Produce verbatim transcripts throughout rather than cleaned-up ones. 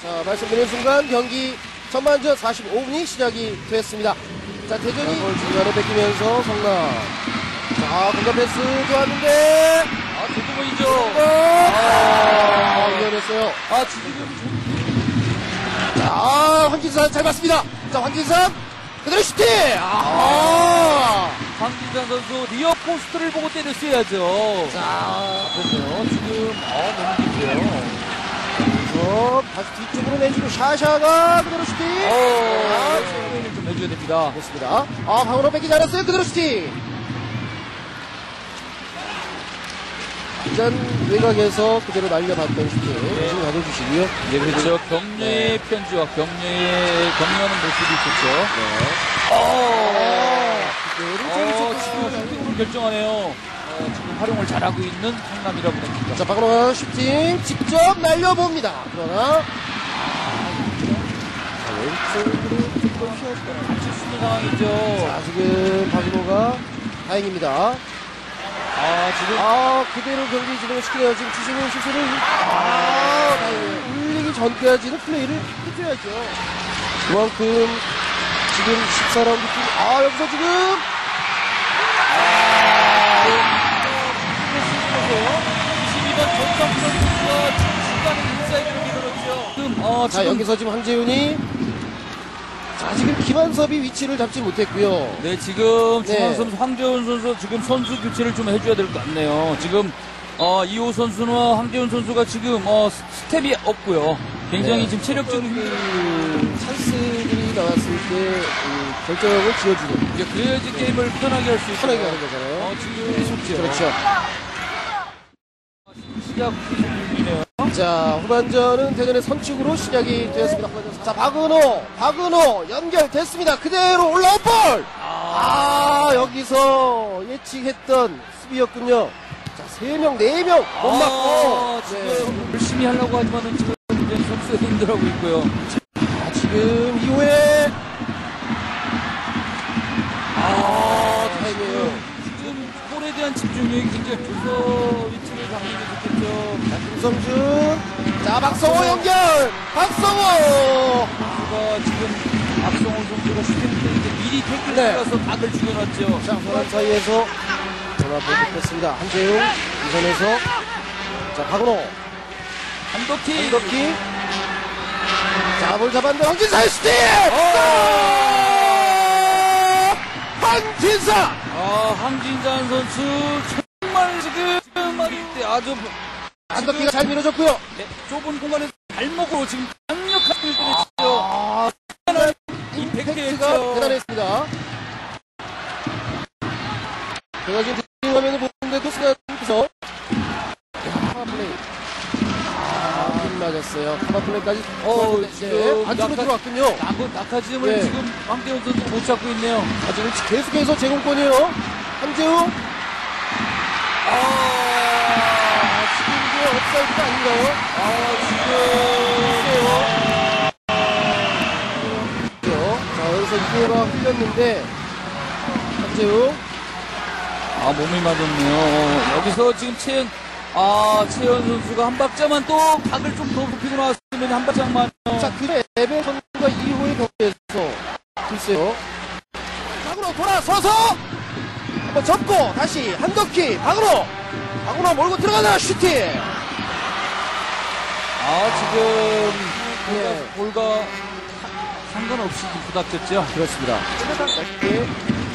자, 말씀드린 순간 경기 전반전 사십오 분이 시작이 됐습니다. 자, 대전이 중간에 뺏기면서 성남. 자, 공간 패스 좋았는데. 아, 조금이죠. 아, 위험했어요. 아, 지금. 자, 황진산 잘 봤습니다. 자, 황진산. 그대로 슈팅! 아! 황진산 선수 리어 포스트를 보고 때렸어야죠. 자, 보세요. 지금, 아, 너무 깊어요. 그래서 다시 뒤쪽으로 내주고 샤샤가 그대로 슈팅! 어, 체크인을 좀 해줘야 됩니다. 됐습니다. 아, 방으로 뺏기지 않았어요. 그대로 슈팅! 완전 외곽에서 그대로 날려봤던 슈팅. 네. 지금 가져주시고요. 예, 그렇죠. 격려의 편지와 격려의, 격려하는 모습이 있었죠. 네. 어, 그대로 어, 지금 슈팅을 결정하네요. 어, 지금 활용을 잘하고 있는 성남이라고 봅니다. 자, 박은호가 슈팅 직접 날려봅니다. 그러나, 자, 왼쪽으로 조금 휘었던 다칠 수 있는 상황이죠. 자, 지금 박은호가 다행입니다. 아, 지금. 아, 그대로 경기 진행을 시키네요. 지금 주시는 시술을, 아, 다행이에요. 울리기 전까지는 플레이를 해줘야죠. 그만큼, 지금 십사 라운드 팀, 아, 여기서 지금, 이십이 번 전성 선수가 중간에 인사이드로 밀어넣죠. 지금, 어, 자, 지금. 여기서 지금 황재윤이, 자, 지금 김한섭이 위치를 잡지 못했고요. 네, 지금 네. 중앙 선수 황재훈 선수 지금 선수 교체를 좀 해줘야 될 것 같네요. 지금 어, 이호 선수나 황재훈 선수가 지금 어, 스텝이 없고요. 굉장히 네. 지금 체력적인 그 찬스들이 나왔을 때 그 결정을 지어주는 이제 그래야지 게임을 편하게 할 수 있고 편하게 하는 거잖아요. 어, 지금 속지요. 그렇죠. 시작 중이네요. 자, 후반전은 대전의 선축으로 시작이 되었습니다. 후반전. 자, 박은호, 박은호 연결됐습니다. 그대로 올라온 볼. 아, 여기서 예측했던 수비였군요. 자, 세 명, 네 명 못 아, 맞고. 지금 네. 열심히 하려고 하지만은 지금 이제 선수가 힘들어하고 있고요. 아, 지금 이후에 아, 타이밍이에요. 지금 볼에 대한 집중력이 굉장히 좋서 위치를 잡는 게 좋겠죠. 김성준, 자, 박성호 연결, 박성호. 선수가 지금 박성호 선수가 슈팅 때 이제 미리 태클을 네. 들어가서 각을 죽여놨죠. 자, 호란 사이에서 전화 보급했습니다. 한재웅, 이선에서, 자, 박은호, 한덕희. 한덕희, 자, 볼 잡았는데 황진사의 슈팅! 황진사! 아, 황진산 선수 정말 지금 때 아주 한덕희가 잘 밀어줬고요. 네, 좁은 공간에서 발목으로 지금 강력한 을 때렸죠. 아, 임팩트가 임팩트가 대단했습니다. 제가 지금 뒷 화면을 보는데도 순간에서 카바플레이. 아, 힘 맞았어요. 카바플레이까지. 어, 네, 지금 안쪽으로 낙하- 들어왔군요. 낙하, 낙하지음을 네. 지금 황대훈 선수가 못 잡고 있네요. 아, 지금 계속해서 제공권이에요. 한재웅. 아, 지금 이게 업사이드가 아닌가요? 아, 그렇죠. 자, 여기서 이호가 흘렸는데, 한재웅. 아, 몸이 맞았네요. 여기서 지금 채연, 아, 채연 선수가 한 박자만 또 각을 좀 더 높이고 나왔으면 한 박자만. 자, 그 레벨 선수가 이호의 경기에서, 글쎄요. 박으로 돌아서서, 한번 접고, 다시, 한덕희, 박으로! 박으로 몰고 들어가나, 슈팅! 아, 지금 예. 볼과, 볼과 상관없이 좀 부닥쳤죠. 그렇습니다. 예.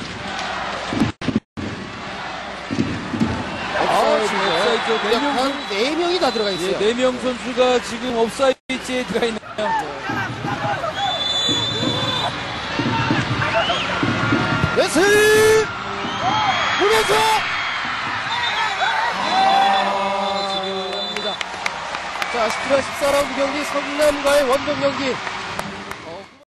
아, 지금 업사이드 네 명, 한 네 명이 다 들어가 있어요. 네, 네 명 선수가 지금 업사이드에 들어가 있네요. 레슬! 보면서! 아, 지금, 자, 십칠 화 십사 라운드 경기 성남과의 원정 경기.